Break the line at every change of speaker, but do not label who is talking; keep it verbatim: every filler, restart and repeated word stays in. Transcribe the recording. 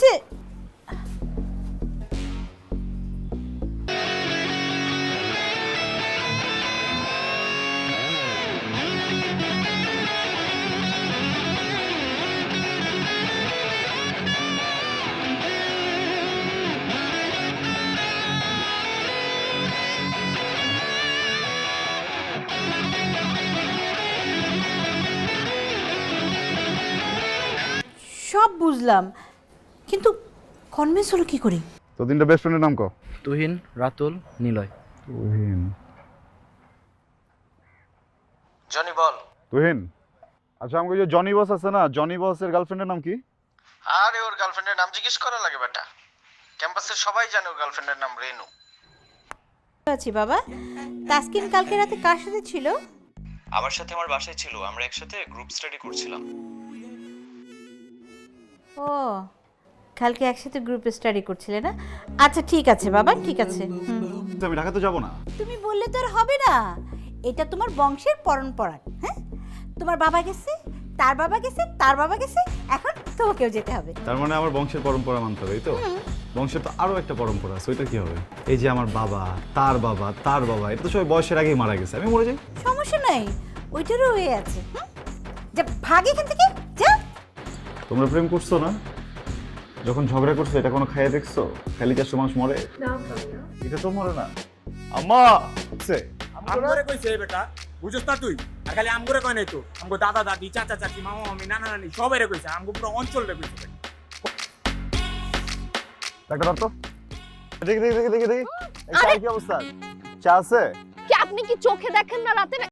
হয়েছে? সব বুঝলাম, কিন্তু কনভিন্স হলো কি করে?
তো তিনটা বেস্ট ফ্রেন্ডের নাম কো।
তুহিন, রাতুল, নিলয়।
তুহিন।
জনি বল।
তুহিন, আচ্ছা আমাকে যে জনি বস আছে না, জনি বসের গার্লফ্রেন্ডের নাম কি?
আরে ওর গার্লফ্রেন্ডের নাম জিজ্ঞেস করা লাগে বেটা, ক্যাম্পাসের সবাই জানে ওর গার্লফ্রেন্ডের নাম রেনু।
আছি বাবা। তাসকিন কালকে রাতে কার সাথে ছিল?
আমার সাথে আমার বাসায় ছিল, আমরা একসাথে গ্রুপ স্টাডি করছিলাম।
ও, কালকে একসাথে গ্রুপ স্টাডি করছিলে না? আচ্ছা ঠিক আছে বাবা, ঠিক আছে। হুম।
আমি ঢাকাতে যাব না।
তুমি বললে তো আর হবে না, এটা তোমার বংশের পরম্পরা। হ্যাঁ, তোমার বাবা গেছে, তার বাবা গেছে, তার বাবা গেছে, এখন তোমাকেও যেতে হবে।
তার মানে আমার বংশের পরম্পরা মানতে হবে, এই তো? বংশের তো আরো একটা পরম্পরা আছে, ওইটা কি হবে? এই যে আমার বাবা, তার বাবা, তার বাবা, এটা তো সবাই বয়সের আগেই মারা গেছে, আমি মরে যাই।
সমস্যা নাই, ওইটারও হয়ে আছে। হুম, যা ভাগ এখান থেকে, যা।
তোমরা প্রেম করছো না? যখন ঝগড়া করছো এটা কোনো খাইয়ে দেখছো? খালি চারশো মানুষ মরে, এটা তো মরে না। আম্মা আছে
আমগরে কইছে বেটা, বুঝছ না তুই? আর খালি আমগরে কয় নাই তো, আমগো দাদা দাদি, চাচা চাচি, মামা মামি, নানা নানি সবাইরে কইছে, আমগো পুরো অঞ্চলরে কইছে।
একটা ধর তো, দেখি দেখি দেখি দেখি দেখি, এই চায়ের কি অবস্থা? চা আছে?
কি আপনি কি চোখে দেখেন না রাতে?